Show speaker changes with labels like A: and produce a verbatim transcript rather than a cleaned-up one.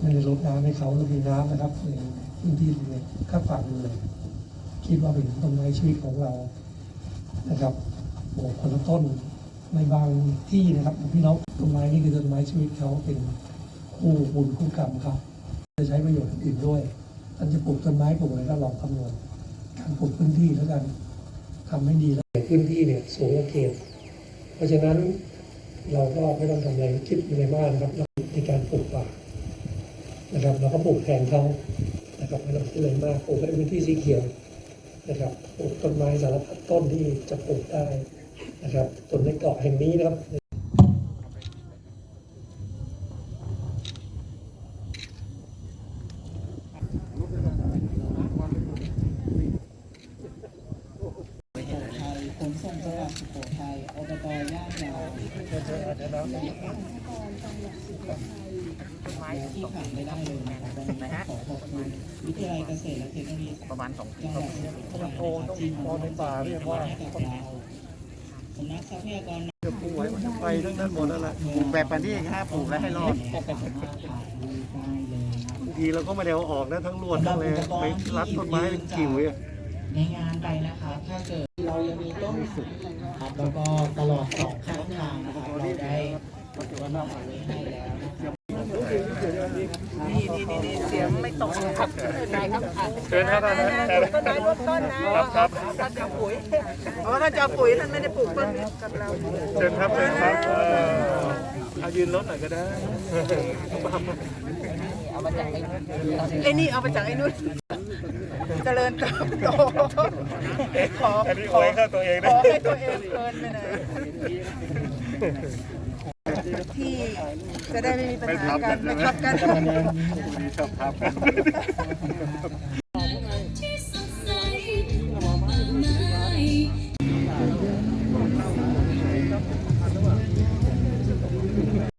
A: ไม่ได้ลดน้ำให้เขาเรามีน้ำนะครับในพื้นที่ในข้างฝั่งเลยคิดว่าเป็นต้นไม้ชีวิตของเรานะครับโอ้คนละต้นในบางที่นะครับพี่น้องต้นไม้นี่คือต้นไม้ชีวิตเขาเป็นคู่บุญคู่กรรมครับจะใช้ประโยชน์อื่นด้วยท่านจะปลูกต้นไม้ปลูกอะไรก็ลองคำนวณการปลูกพื้นที่แล้วกันทำให้ดีแล้วพื้นที่เนี่ยสูงกว่าเขตเพราะฉะนั้นเราก็ไม่ต้องทำอะไรคิดอะไรมากนะครับในการปลูกป่านะครับเราก็ปลูกแทนเขานะครับไม่ต้องคิดอะไรมากปลูกในพื้นที่สีเขียวนะครับปลูกต้นไม้สารพัดต้นที่จะปลูกได้นะครับส่วนในเกาะแห่งนี้นะครับ
B: ขนส่งจังหวัดสุโขทัยอบตย่านยาวที่ขาดไม่ได้เลยนะครับขอขอบคุณวิทยาลัยเกษตรและเทคโนโลยีประมาณสองจังหวัดต้องโตต้องโตในป่าเรียกว่าให้กับเราสำนักทรัพยากรจะปลูกไว้มันจะไปทั้งนั้นหมดแล้วแหละปลูกแบบปันที่ห้าปลูกแล้วให้รอดบางทีเราก็ไม่ได้เอาออกนะทั้งรวดทั้งเลยไปรัดต้นไม้เป็นกิ่วเลยในงานไปนะครับถ้าเกิดเรายังมีต้นสุดครับแล้วก็ตลอดสองข้างทางนะครับเราได้วัตถุดิบเอาไว้ให้แล้วนะครับ
C: นี่นี่นี่เสียงไม่ตกครับนายครับ
D: เชิญครับ
C: ต้นไม้ลดต้นนะครับครับท่านจะปุ๋ยเพราะท่านจะปุ๋ยท่านไม่ได้ปลูกต้นกับเรา
D: เชิญครับเชิญครับเอายืนรถหน่อยก็ได้
C: เอามาจากไอ้ไอ้นี่เอามาจากไอ้นู่นเจริญเติบโตขอ
D: ขอให้ตัวเอง
C: ขอให้ตัวเองเพลินไปหน่อยที่จะได้ไม่มีปัญหากันไม่ทับกัน
D: ชอบทับกัน